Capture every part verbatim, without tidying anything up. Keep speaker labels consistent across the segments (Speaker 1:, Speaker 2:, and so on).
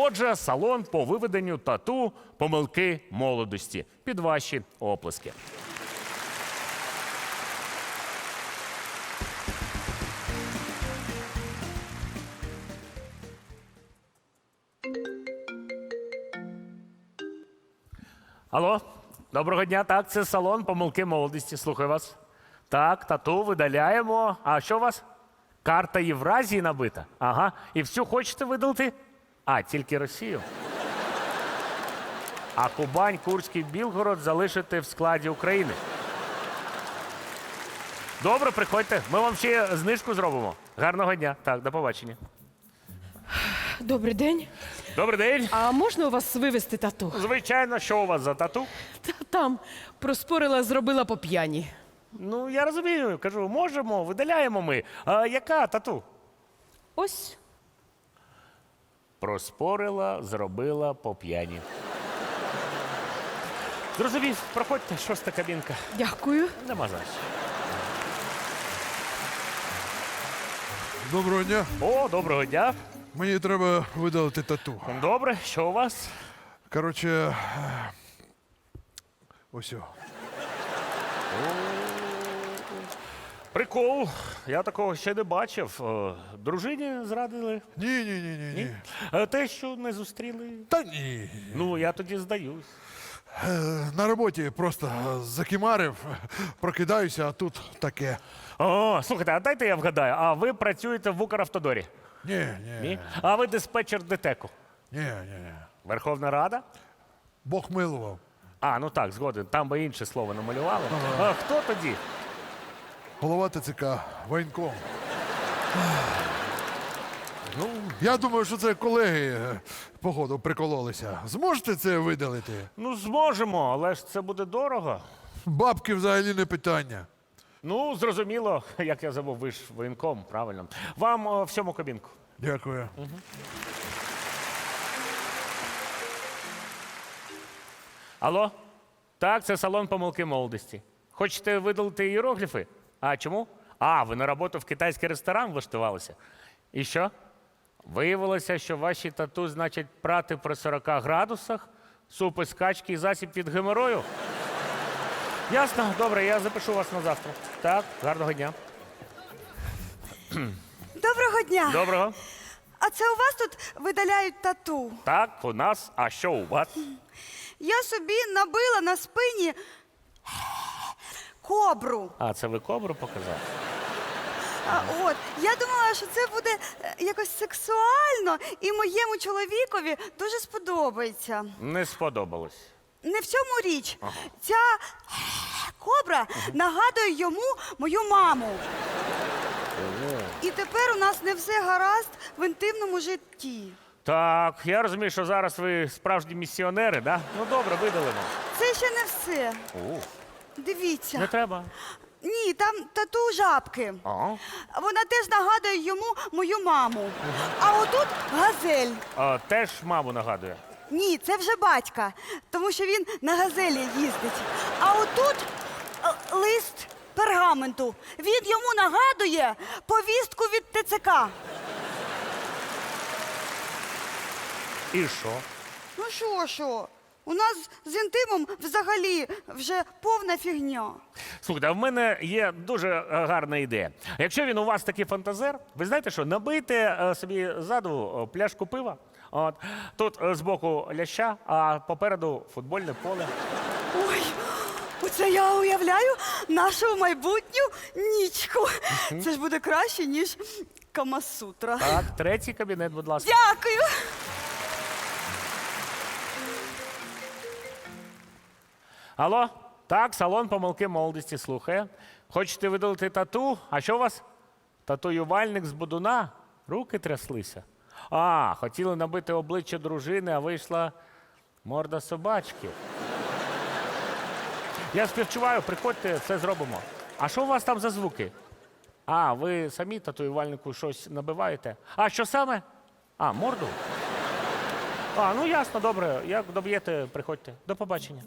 Speaker 1: Отже, салон по виведенню тату помилки молодості. Під ваші оплески. Алло, доброго дня. Так, це салон помилки молодості. Слухаю вас. Так, тату видаляємо. А що у вас? Карта Євразії набита? Ага. І всю хочете видалити? А, тільки Росію? А Кубань, Курський, Білгород залишити в складі України? Добре, приходьте. Ми вам ще знижку зробимо. Гарного дня. Так, до побачення.
Speaker 2: Добрий день.
Speaker 1: Добрий день.
Speaker 2: А можна у вас вивезти тату?
Speaker 1: Звичайно, що у вас за тату?
Speaker 2: Та там проспорила, зробила по п'яні.
Speaker 1: Ну, я розумію. Кажу, можемо, видаляємо ми. А яка тату?
Speaker 2: Ось.
Speaker 1: Проспорила, зробила по п'яні. Зрозумів, проходьте, шоста кабінка.
Speaker 2: Дякую.
Speaker 1: Нема за що.
Speaker 3: Доброго дня.
Speaker 1: О, доброго дня.
Speaker 3: Мені треба видалити тату.
Speaker 1: Добре, що у вас?
Speaker 3: Коротше, е, ось о.
Speaker 1: Прикол. Я такого ще не бачив. Е, Дружині зрадили?
Speaker 3: Ні, ні, ні, ні, ні.
Speaker 1: Е, Те, що не зустріли?
Speaker 3: Та ні.
Speaker 1: Ну, я тоді здаюсь.
Speaker 3: Е, На роботі просто закимарив, прокидаюся, а тут таке.
Speaker 1: О, слухайте, а дайте я вгадаю, а ви працюєте в Укравтодорі?
Speaker 3: Ні, ні,
Speaker 1: Ні?
Speaker 3: ні,
Speaker 1: А ви диспетчер ДТЕКу?
Speaker 3: ні, ні.
Speaker 1: Верховна Рада?
Speaker 3: Бог милував.
Speaker 1: А, ну так, згоден. Там би інше слово намалювали. А хто тоді?
Speaker 3: Голова ТЦК, воєнком.
Speaker 1: Ну,
Speaker 3: Я думаю, що це колеги, е, походу, прикололися. Зможете це видалити?
Speaker 1: ну зможемо, але ж це буде дорого.
Speaker 3: Бабки взагалі не питання.
Speaker 1: Ну, зрозуміло, як я забув, ви ж воєнком, правильно. Вам о, всьому кабінку.
Speaker 3: Дякую.
Speaker 1: Алло? Так, це салон помилки молодості. Хочете видалити іерогліфи? А чому? А, ви на роботу в китайський ресторан влаштувалися. І що? Виявилося, що ваші тату значить прати при сорока градусах, суп із качки і засіб від геморою? Ясно, добре, я запишу вас на завтра. Так, гарного дня.
Speaker 4: Доброго дня.
Speaker 1: Доброго.
Speaker 4: А це у вас тут видаляють тату?
Speaker 1: Так, у нас, а що у вас?
Speaker 4: Я собі набила на спині кобру.
Speaker 1: А, це ви кобру показали?
Speaker 4: А, от, я думала, що це буде е, якось сексуально і моєму чоловікові дуже сподобається.
Speaker 1: Не сподобалось.
Speaker 4: Не в цьому річ. Ця кобра нагадує йому мою маму. І тепер у нас не все гаразд в інтимному житті.
Speaker 1: Так, я розумію, що зараз ви справжні місіонери, да? Ну добре, видалимо.
Speaker 4: Це ще не все.
Speaker 1: О,
Speaker 4: Дивіться.
Speaker 1: не треба.
Speaker 4: Ні, там тату жабки.
Speaker 1: А?
Speaker 4: Вона теж нагадує йому мою маму. А отут газель.
Speaker 1: А, теж маму нагадує.
Speaker 4: Ні, це вже батька, тому що він на газелі їздить. А отут е, лист пергаменту. Він йому нагадує повістку від ТЦК.
Speaker 1: І що?
Speaker 4: Ну що, що? У нас з інтимом взагалі вже повна фігня.
Speaker 1: Слухайте, а в мене є дуже е, гарна ідея. Якщо він у вас такий фантазер, ви знаєте що, набийте е, собі ззаду е, пляшку пива, от, тут е, збоку ляща, а попереду футбольне поле.
Speaker 4: Ой, оце я уявляю нашу майбутню нічку. Це ж буде краще, ніж Камасутра.
Speaker 1: Так, третій кабінет, будь ласка.
Speaker 4: Дякую.
Speaker 1: Алло? Так, салон помилки молодості слухає. Хочете видалити тату? А що у вас? Татуювальник з будуна? Руки тряслися. А, хотіли набити обличчя дружини, а вийшла морда собачки. Я співчуваю, приходьте, все зробимо. А що у вас там за звуки? А, ви самі татуювальнику щось набиваєте? А що саме? А, морду? А, ну ясно, добре. Як доб'єте, приходьте. До побачення.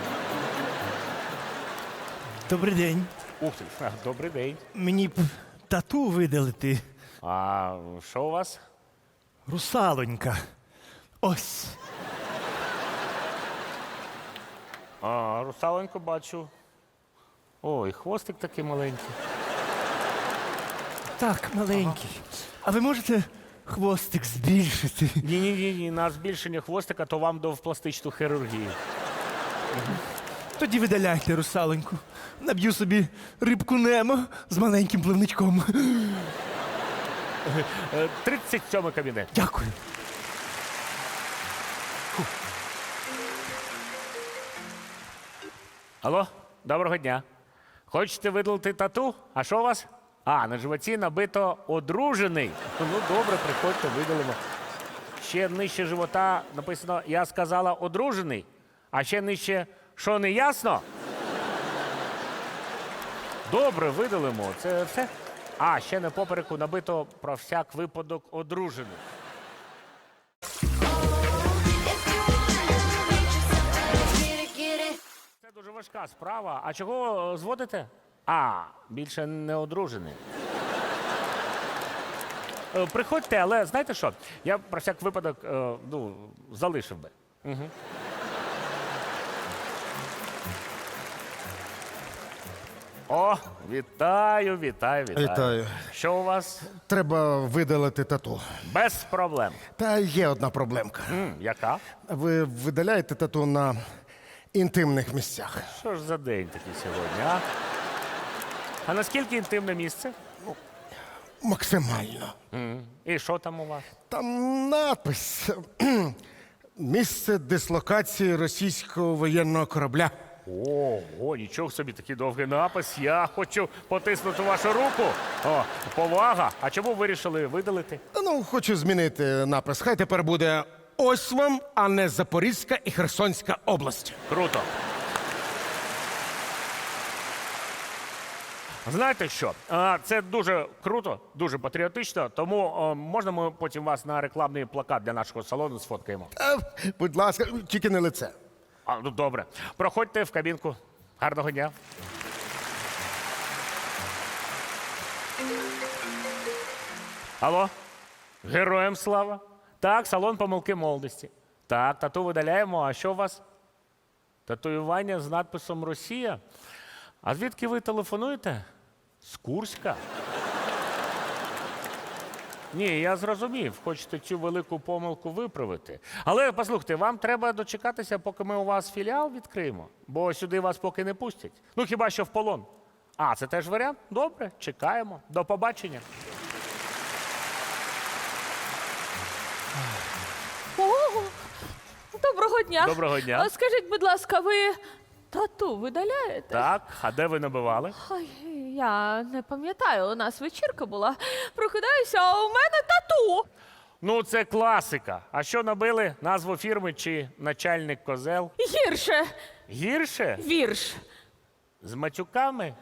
Speaker 5: Добрий день.
Speaker 1: Ух ти, а, добрий день.
Speaker 5: Мені п- тату видалити.
Speaker 1: А що у вас?
Speaker 5: Русалонька. Ось.
Speaker 1: А, русаленьку бачу. Ой, хвостик такий маленький.
Speaker 5: Так, маленький. А ви можете хвостик збільшити?
Speaker 1: Ні, ні, ні, ні, на збільшення хвостика, то вам до в пластичну хірургію.
Speaker 5: Тоді видаляйте русалоньку. Наб'ю собі рибку Немо з маленьким пливничком.
Speaker 1: Е, тридцять сьомий кабінет.
Speaker 5: Дякую.
Speaker 1: Алло, доброго дня. Хочете видалити тату? А що у вас? А, на животі набито одружений. Ну добре, приходьте, видалимо. Ще нижче живота написано «Я сказала одружений», а ще нижче «Що не ясно?» Добре, видалимо. Це все? А, ще на попереку набито про всяк випадок одружений. Це дуже важка справа. А чого е, зводите? А, більше не одружений. Е, Приходьте, але знаєте що? Я про всяк випадок е, ну, залишив би. Угу. О, вітаю, вітаю, вітаю.
Speaker 6: Вітаю.
Speaker 1: Що у вас?
Speaker 6: Треба видалити тату.
Speaker 1: Без проблем.
Speaker 6: Та є одна проблемка.
Speaker 1: М, яка?
Speaker 6: Ви видаляєте тату на інтимних місцях.
Speaker 1: Що ж за день такий сьогодні, а? А наскільки інтимне місце?
Speaker 6: Максимально.
Speaker 1: М, І що там у вас?
Speaker 6: Там напис. Місце дислокації російського воєнного корабля.
Speaker 1: Ого, нічого собі, такий довгий напис. Я хочу потиснути вашу руку. О, повага. А чому вирішили видалити?
Speaker 6: Та ну, хочу змінити напис. Хай тепер буде ось вам, а не Запорізька і Херсонська область.
Speaker 1: Круто. Знаєте що? А, Це дуже круто, дуже патріотично, тому о, можна ми потім вас на рекламний плакат для нашого салону сфоткаємо?
Speaker 6: Та, будь ласка, тільки не лице.
Speaker 1: А, ну добре. Проходьте в кабінку. Гарного дня. Алло? Героям слава. Так, салон помилки молодості. Так, тату видаляємо. А що у вас? Татуювання з надписом Росія. А звідки ви телефонуєте? З Курська? Ні, я зрозумів, хочете цю велику помилку виправити. Але послухайте, вам треба дочекатися, поки ми у вас філіал відкриємо, бо сюди вас поки не пустять. Ну хіба що в полон. А, це теж варіант? Добре, чекаємо. До побачення.
Speaker 7: Ого! Доброго дня.
Speaker 1: Доброго дня.
Speaker 7: А скажіть, будь ласка, ви тату видаляєте?
Speaker 1: Так, а де ви набивали?
Speaker 7: Ой, я не пам'ятаю, у нас вечірка була. Прокидаюся, а у мене тату.
Speaker 1: Ну, це класика. А що набили? Назву фірми чи начальник козел?
Speaker 7: Гірше.
Speaker 1: Гірше?
Speaker 7: Вірш.
Speaker 1: З матюками?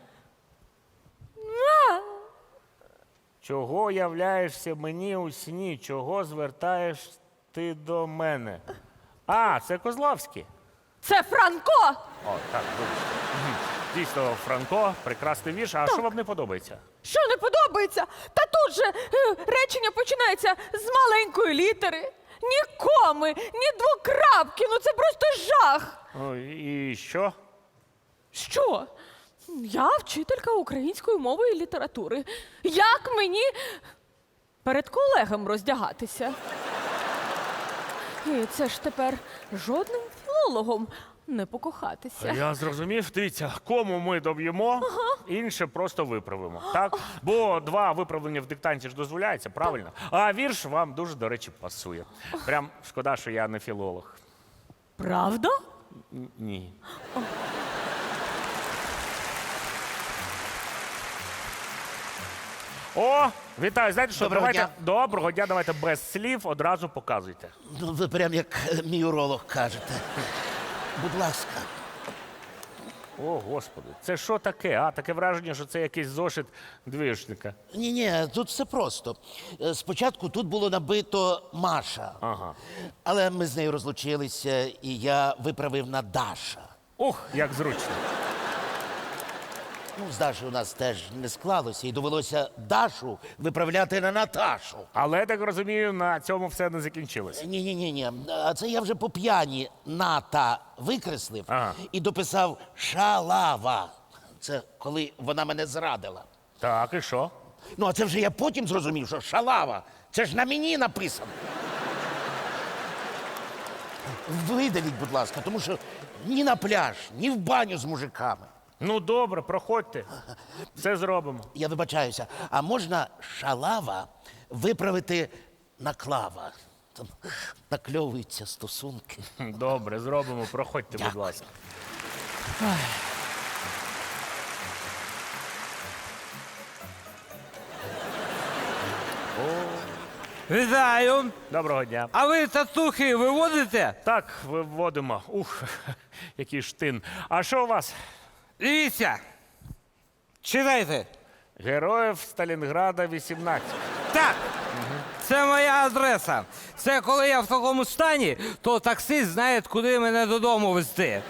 Speaker 1: Чого являєшся мені у сні? Чого звертаєш ти до мене? А, це Козловський.
Speaker 7: Це Франко.
Speaker 1: О, так, вибачте. Мгм. Дійсно, Франко, прекрасний вірш. А що вам не подобається?
Speaker 7: Що не подобається? Та тут же е, речення починається з маленької літери. Ні коми, ні двокрапки. Ну це просто жах.
Speaker 1: О, і що?
Speaker 7: Що? Я вчителька української мови і літератури. Як мені перед колегам роздягатися? І це ж тепер жодним філологом не покохатися.
Speaker 1: Я зрозумів. Дивіться, кому ми доб'ємо, інше просто виправимо. Так? Бо два виправлення в диктанті ж дозволяється, правильно? А вірш вам дуже, до речі, пасує. Прям шкода, що я не філолог.
Speaker 7: Правда?
Speaker 1: Н- Ні. О, вітаю. Знаєте що?
Speaker 8: Доброго
Speaker 1: давайте
Speaker 8: дня.
Speaker 1: доброго дня, давайте без слів одразу показуйте.
Speaker 8: Ну, ви прям як е, мій уролог кажете. Будь ласка.
Speaker 1: О, Господи, це що таке? А, таке враження, що це якийсь зошит двіжника.
Speaker 8: Ні, ні, тут все просто. Е, Спочатку тут було набито Маша.
Speaker 1: Ага.
Speaker 8: Але ми з нею розлучилися, і я виправив на Даша.
Speaker 1: Ух, як зручно.
Speaker 8: Ну, з Дашою у нас теж не склалося, і довелося Дашу виправляти на Наташу.
Speaker 1: Але я так розумію, на цьому все не закінчилось.
Speaker 8: Ні, ні, ні, ні. А це я вже по п'яні ната викреслив
Speaker 1: Ага.
Speaker 8: і дописав шалава. Це коли вона мене зрадила.
Speaker 1: Так, і що?
Speaker 8: Ну, а це вже я потім зрозумів, що шалава. Це ж на мені написано. Видаліть, будь ласка, тому що ні на пляж, ні в баню з мужиками.
Speaker 1: Ну добре, проходьте. Все зробимо.
Speaker 8: Я вибачаюся, а можна шалава виправити на клава? Там накльовуються стосунки.
Speaker 1: Добре, зробимо. Проходьте, будь
Speaker 8: Дякую.
Speaker 1: ласка.
Speaker 5: Вітаю!
Speaker 1: Доброго дня.
Speaker 5: А ви татухи виводите?
Speaker 1: Так, виводимо. Ух, який штин. А що у вас?
Speaker 5: Дивіться. Читайте.
Speaker 1: Героїв Сталінграда вісімнадцять.
Speaker 5: Так. Це моя адреса. Це коли я в такому стані, то таксист знає, куди мене додому везти.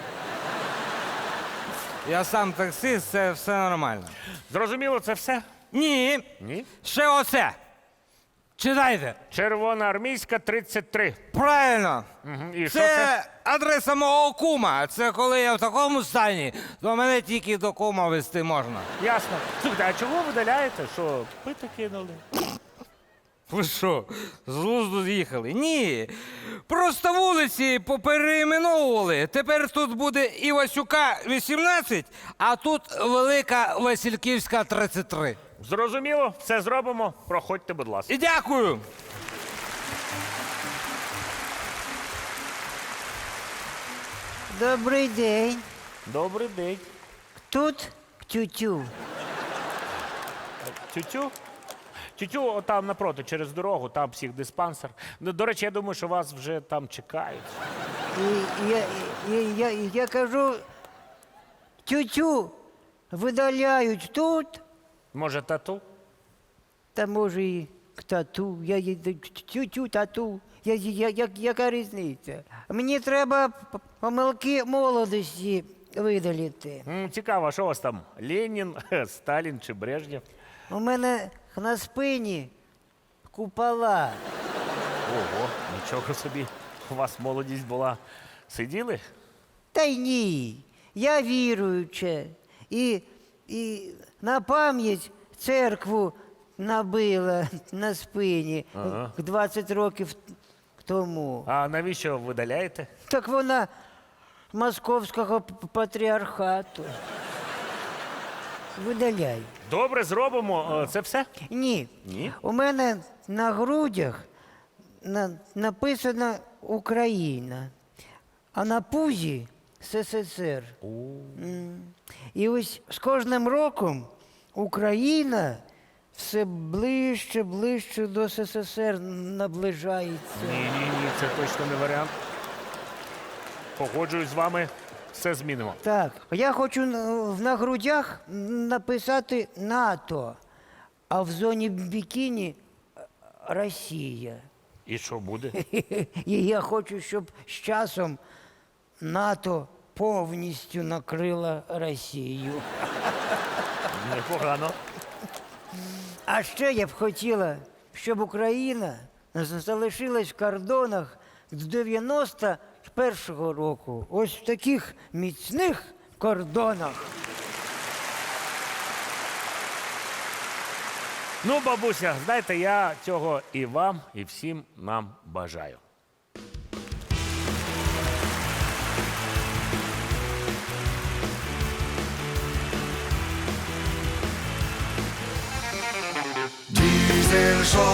Speaker 5: Я сам таксист, це все нормально.
Speaker 1: Зрозуміло, це все?
Speaker 5: Ні.
Speaker 1: Ні.
Speaker 5: Ще оце. Читайте.
Speaker 1: Червоноармійська тридцять три.
Speaker 5: Правильно.
Speaker 1: Мгм. І що
Speaker 5: Це,
Speaker 1: це?
Speaker 5: адреса мого кума. Це коли я в такому стані, то мене тільки до кума везти можна.
Speaker 1: Ясно. Слухайте, а чого видаляєте? Що, пити кинули?
Speaker 5: Ви що, з глузду з'їхали? Ні. Просто вулиці поперейменовували. Тепер тут буде Івасюка вісімнадцять, а тут Велика Васильківська тридцять три.
Speaker 1: Зрозуміло, все зробимо. Проходьте, будь ласка.
Speaker 5: І дякую.
Speaker 9: Добрий день.
Speaker 1: Добрий день.
Speaker 9: Тут тютю.
Speaker 1: Тютю? Тютю, отам напроти, через дорогу, там психдиспансер. Ну, до речі, я думаю, що вас вже там чекають.
Speaker 9: І я, я, я, я кажу, тютю видаляють тут,
Speaker 1: Може, тату?
Speaker 9: та може і к тату. Я, я, тютю, тату. Я, я, я, яка різниця? Мені треба п- помилки молодості видалити.
Speaker 1: М, цікаво, а що у вас там? Ленін, Сталін чи Брежнєв?
Speaker 9: У мене на спині купола.
Speaker 1: Ого, нічого собі. У вас молодість була. Сиділи?
Speaker 9: Та й ні. Я віруюча. І, і на пам'ять церкву набила на спині
Speaker 1: Ага.
Speaker 9: двадцять років тому.
Speaker 1: А навіщо видаляєте?
Speaker 9: Так вона московського п- патріархату. Видаляй.
Speaker 1: Добре, зробимо. Е, Це все?
Speaker 9: Ні.
Speaker 1: Ні?
Speaker 9: У мене на грудях на, написано Україна, а на пузі СССР. М. І ось з кожним роком Україна все ближче, ближче до СССР наближається.
Speaker 1: Ні, ні, ні, це точно не варіант. Погоджуюсь з вами, все змінимо.
Speaker 9: Так, я хочу на, на грудях написати НАТО, а в зоні бікіні е, Росія.
Speaker 1: І що буде?
Speaker 9: І я хочу, щоб з часом НАТО повністю накрила Росію.
Speaker 1: Непогано.
Speaker 9: А ще я б хотіла, щоб Україна з- залишилась в кордонах з дев'яносто першого року. Ось в таких міцних кордонах.
Speaker 1: Ну, бабуся, знаєте, я цього і вам, і всім нам бажаю.
Speaker 10: Diesel Show.